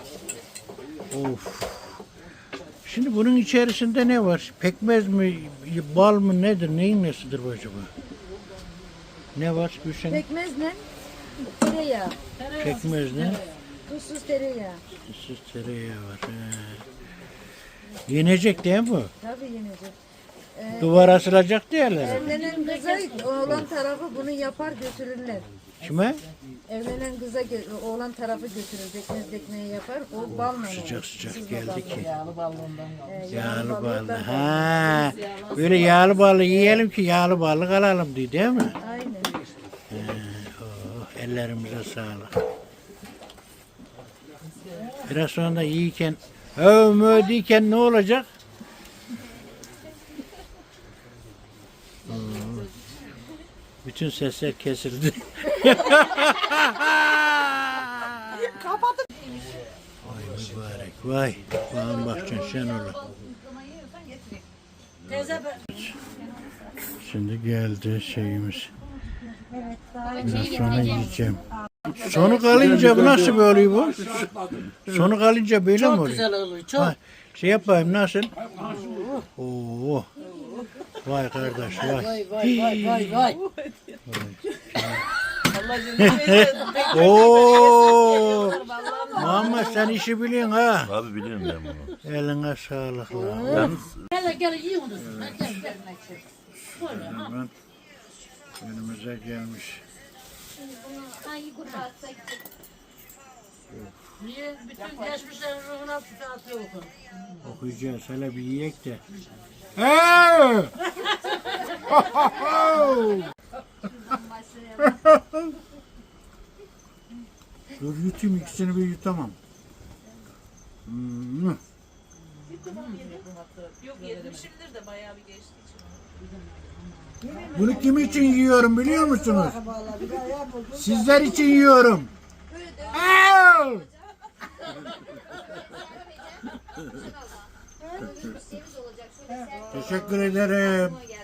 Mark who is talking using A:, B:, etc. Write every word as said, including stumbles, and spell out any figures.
A: Of. Şimdi bunun içerisinde ne var? Pekmez mi, bal mı nedir? Neyin nesidir bu acaba? Ne var Gülşen?
B: Pekmez ne? Tereyağı.
A: Pekmez ne?
B: Tuzsuz tereyağı.
A: Tuzsuz tereyağı var. He. Yenecek değil mi bu?
B: Tabii yenecek. Ee,
A: Duvar asılacak diyorlar.
B: Evlenen kıza oğlan tarafı bunu yapar götürürler.
A: Kime?
B: Evlenen kıza gö- oğlan tarafı götürür. Pekmez ekmeği yapar. O balla olur.
A: Sıcak sıcak geldi ki.
C: Yağlı ballondan.
B: Ee,
A: Yağlı ballı.
B: ballıktan
A: Ha. Böyle yağlı ballı yiyelim ki yağlı ballı alalım diye değil mi?
B: Aynen.
A: Oh, ellerimize sağlık. Biraz sonra da yiyken, övmö diyken ne olacak? Hmm. Bütün sesler kesildi. Vay mübarek, vay. Bana bakacaksın sen oğlum. Şimdi geldi şeyimiz. Biraz sonra yiyeceğim. Sonu kalınca bu nasıl böyle oluyor bu? Sonu kalınca böyle mi oluyor?
C: Çok güzel oluyor. Çok.
A: Ha, şey yapayım nasıl? Oo. Vay kardeş vay.
C: Vay vay vay vay vay.
A: Oo. Muhammed sen işi biliyorsun ha.
D: Abi biliyorum ben bunu.
A: Eline sağlık lan.
D: Yalnız
C: Gel gel yiyin onu. Gel gel gel.
A: Hemen önümüze gelmiş.
C: Niye? Bütün geçmişlerin ruhuna atıyor okun.
A: Okuyacağız hele bir yiyek de. Hey! Dur yutayım ikisini bir yutamam. Hmm.
E: Yok yetmişimdir de bayağı bir geçti için.
A: Bunu kim için yiyorum biliyor musunuz? Sizler için yiyorum. Hey! Teşekkür ederim.